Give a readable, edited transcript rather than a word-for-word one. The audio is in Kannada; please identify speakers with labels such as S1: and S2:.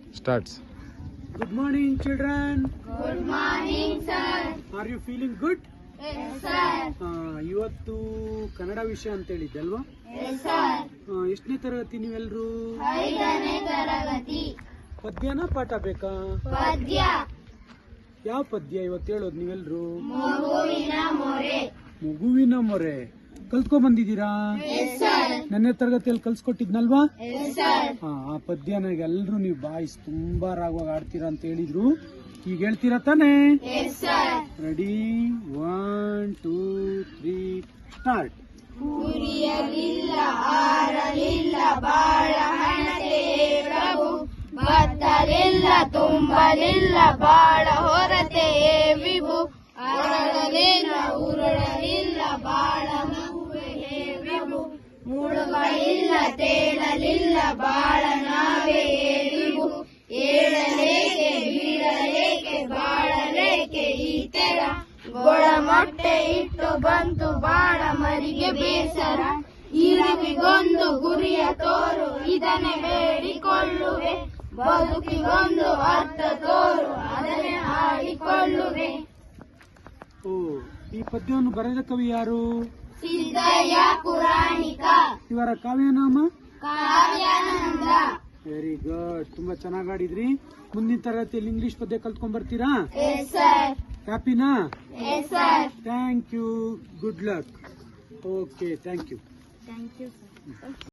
S1: Starts.
S2: Good morning, children.
S3: Good morning, sir.
S2: Are you feeling good?
S3: Yes, sir.
S2: ಇವತ್ತು ಕನ್ನಡ ವಿಷಯ ಅಂತ ಹೇಳಿದ್ದೆ ಅಲ್ವಾ?
S3: Yes, sir.
S2: ಎಷ್ಟನೇ ತರಗತಿ ನೀವೆಲ್ಲರೂ?
S3: 5ನೇ ತರಗತಿ.
S2: ಪದ್ಯನ ಪಾಠ ಬೇಕಾ?
S3: ಪದ್ಯ.
S2: ಯಾವ ಪದ್ಯ ಇವತ್ತು ಹೇಳೋದು ನೀವೆಲ್ಲರೂ?
S3: ಮಗುವಿನ ಮೊರೆ.
S2: ಮಗುವಿನ ಮೊರೆ ಕಲ್ತ್ಕೊಂಡ್ ಬಂದಿದ್ದೀರಾ?
S3: Yes, sir.
S2: ನನ್ನ ತರಗತಿಯಲ್ಲಿ ಕಲ್ಸ್ಕೊಟ್ಟಿದ್ನಲ್ವಾ?
S3: Yes, sir.
S2: ಆ ಪದ್ಯನ ಎಲ್ಲರೂ ನೀವು ಬಾಯಿಸ್ ತುಂಬಾ ರಾಗವಾಗಿ ಆಡ್ತೀರಾ ಅಂತ ಹೇಳಿದ್ರು. ಈಗ ಹೇಳ್ತೀರಾ ತಾನೇ?
S3: Yes, sir.
S2: Ready 1 2 3 start.
S3: ಉರಿಯಲಿಲ್ಲ ಆರಲಿಲ್ಲ ಬಾಳ ಹಣತೆಯೇ ಪ್ರಭು, ಬತ್ತಲಿಲ್ಲ ತುಂಬಲಿಲ್ಲ ಬಾಳ ಹೊರತೆಯೇ ವಿಭು, ಅರಳಲಿಲ್ಲ ಉರುಳಲಿಲ್ಲ ಬಾಳ ಮಗುವೆಯೇ ವಿಭು, ಮುಳುಗಳಿಲ್ಲ ತೇಳಲಿಲ್ಲ ಬಾಳ ನಾವೇ ವಿಭು, ಏಳಲೇಕೆ ಬೀಳಲೇಕೆ ಬಾಳಲೇಕೆ ಈ ತೆರ, ಗೊಳ ಮೊಟ್ಟೆ ಇಟ್ಟು ಬಂತು ಬಾಳ ಮರಿಗೆ ಬೇಸರ, ಇರುವಿಗೊಂದು ಗುರಿಯ ತೋರು ಇದನ್ನೇ ಬೇಡಿಕೊಳ್ಳುವೆ, ಬದುಕಿಗೊಂದು ಅರ್ಥ ತೋರು ಅದನ್ನೇ ಹಾಡಿಕೊಳ್ಳುವೆ.
S2: ಓ, ಈ ಪದ್ಯವನ್ನು ಬರೆದ ಕವಿ ಯಾರು?
S3: ಸಿದ್ದಯ್ಯ ಪುರಾಣಿಕ.
S2: ಇವರ ಕಾವ್ಯನಾಮ?
S3: ಕಾವ್ಯಾನಂದ.
S2: ವೆರಿ ಗುಡ್, ತುಂಬಾ ಚೆನ್ನಾಗಿ ಆಡಿದ್ರಿ. ಮುಂದಿನ ತರಗತಿಯಲ್ಲಿ ಇಂಗ್ಲಿಷ್ ಪದ್ಯ ಕಲ್ತ್ಕೊಂಡ್ ಬರ್ತೀರಾ?
S3: Yes, sir.
S2: ಹ್ಯಾಪಿನಾ?
S3: Yes, sir.
S2: Thank you, good luck. Okay, thank you.
S3: Thank you, sir.